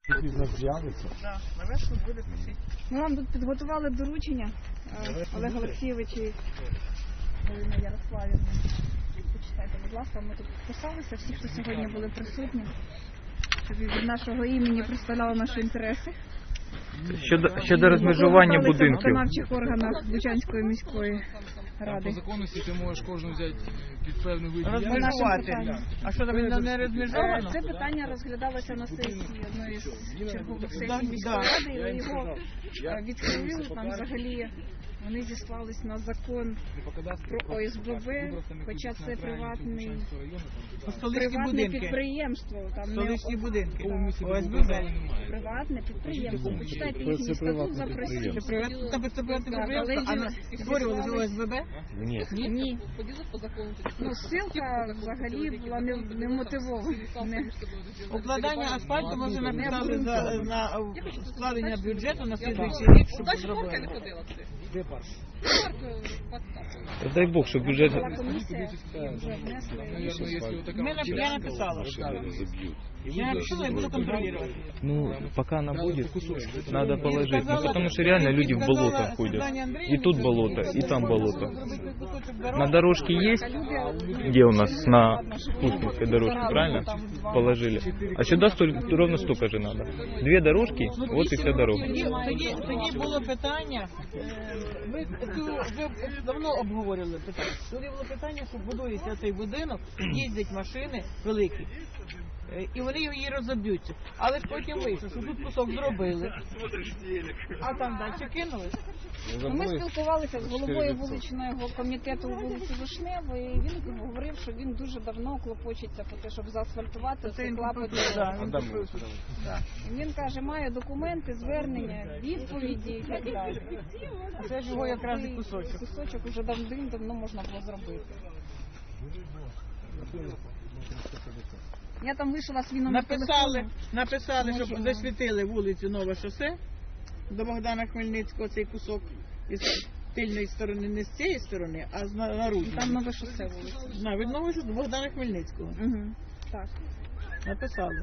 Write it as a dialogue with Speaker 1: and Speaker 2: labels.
Speaker 1: Пізно з'явиться.
Speaker 2: Так, навесну буде писати.
Speaker 3: Ми вам тут підготували доручення Олега Олексійовича і Галина Ярославівна. Почитайте, будь ласка, ми тут підписалися, всі, хто сьогодні були присутні, щоб від нашого імені представляли наші інтереси.
Speaker 4: Щодо розмежування
Speaker 3: В
Speaker 4: будинків.
Speaker 3: виконавчих органах Бучанської міської
Speaker 5: По
Speaker 3: ради.
Speaker 5: законності ти можеш кожну взяти під певний вид діяльності.
Speaker 2: Розмежувати. А що там не розмежовано?
Speaker 3: Це питання розглядалося на сесії одної з чергових сесій
Speaker 2: Да,
Speaker 3: міської
Speaker 2: да.
Speaker 3: ради, і його відхилили. Там взагалі вони зіслались на закон про ОСББ, хоча це приватне підприємство. Там не
Speaker 2: Столичні будинки.
Speaker 5: ОСББ.
Speaker 3: приватне підприємство. Почитайте їхній статут, запросіть.
Speaker 2: Це приватне підприємство, а створювали ж ОСББ?
Speaker 1: Ні.
Speaker 3: Ні. Ну, ссылка взагалі була не мотивована.
Speaker 2: Укладання асфальту ми вже написали на складення бюджету на слідуючий рік, щоб зробили.
Speaker 1: Де парк?
Speaker 4: Дай Бог, щоб бюджет...
Speaker 3: Була комісія, і вже внесли.
Speaker 2: Я написала. Я написала и буду контролировать.
Speaker 4: Ну, пока она будет, надо положить. Ну, потому что реально люди в болото ходят. И тут болото, и там болото. На дорожке есть, где у нас на Пушкинской дорожке, правильно? Положили. А сюда ровно столько же надо. 2 дорожки, вот и вся дорога.
Speaker 2: Тоді було питання, ви давно обговорювали питання. Тоді було питання, що будується цей будинок, їздять машини великі. І вони її розоб'ються. Але ж потім вийшло, що тут кусок зробили, а там далі кинули.
Speaker 3: Ми спілкувалися з головою вуличного комітету вулиці Вишневої, і він говорив, що він дуже давно клопочеться про те, щоб заасфальтувати цей клапоть. Він каже, має документи, звернення, відповіді і так далі.
Speaker 2: Це ж його якраз і кусочок.
Speaker 3: Кусочок вже давно можна було зробити. Я там вийшла з віном.
Speaker 2: Написали, щоб засвітили вулицю Нове шосе до Богдана Хмельницького, цей кусок із тильної сторони, не з цієї сторони, а з наружної.
Speaker 3: Там нове шосе вулиця.
Speaker 2: Від Нового шосе до Богдана Хмельницького.
Speaker 3: Угу. Так.
Speaker 2: Написали.